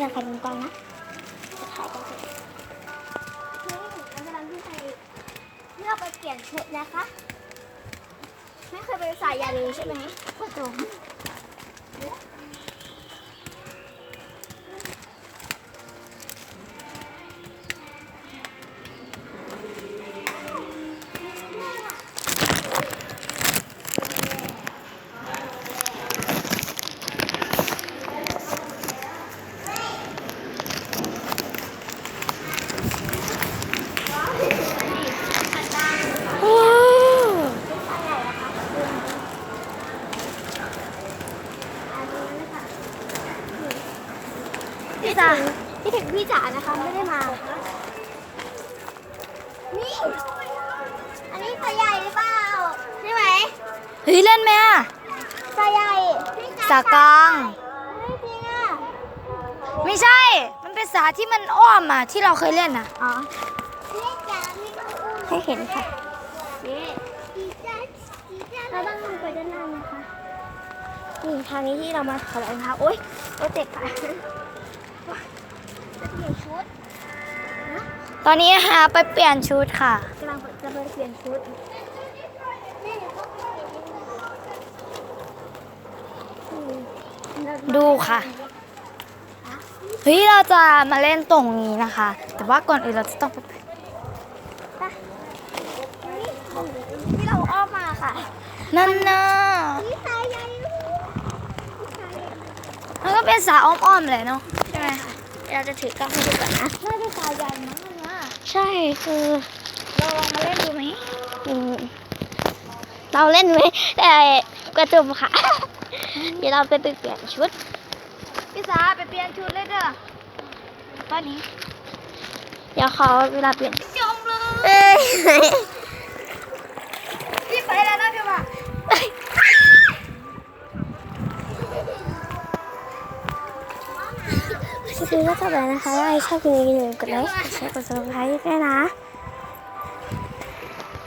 จะใครเป็นกล้องนะจะถ่ายกันเสร็จกำลังที่ไปเลือกไปเปลี่ยนชุดนะคะไม่เคยไปสายยาเลยใช่ไหมก็ตรงพี่จ๋าพี่ถึงพี่จ๋านะคะไม่ได้มานี่อันนี้สายใหญ่หรือเปล่าใช่ไหมเฮ้ยเล่นไหมอ่ะสายใหญ่สากลางไม่จริงอ่ะไม่ใช่ มันเป็นสาที่มันอ้อมอ่ะที่เราเคยเล่นอ่ะอ๋อให้เห็นค่ะเราต้องลงไปด้านล่างนะคะนี่ทางนี้ที่เรามาถอดรองเท้าโอ๊ยเจ็บค่ะจะเปลี่ยนชุดตอนนี้ไปเปลี่ยนชุดค่ะกำลังจะไปเปลี่ยนชุดดูค่ะ เฮ้ยเราจะมาเล่นตรงนี้นะคะ แต่ว่าก่อนอื่นเราจะต้องไปที่เราอ้อมมาค่ะนั่นนะนี่สายใหญ่มันก็เป็นสาอ้อมๆเลยเนาะใช่ไหมคะเราจะถือกล้องให้ดูก่อนนะน่าจะสาใหญ่มั้งนะใช่คือเราลองมาเล่นดูไหมเราเล่นไหมแต่กระจุมค่ะ เดี๋ยวเราไปเปลี่ยนชุดพี่สาไปเปลี่ยนชุดเลยเด้อตอนนี้เดี๋ยวขอเวลาเปลี่ยนจมเลยเอ้ยพี่ไปแล้วนะพี่ว่าคือก็จบแล้วนะคะถ้าใครชอบคลิปนี้อย่าลืมกดไลค์กดแชร์กดซับสไครต์ด้วยนะ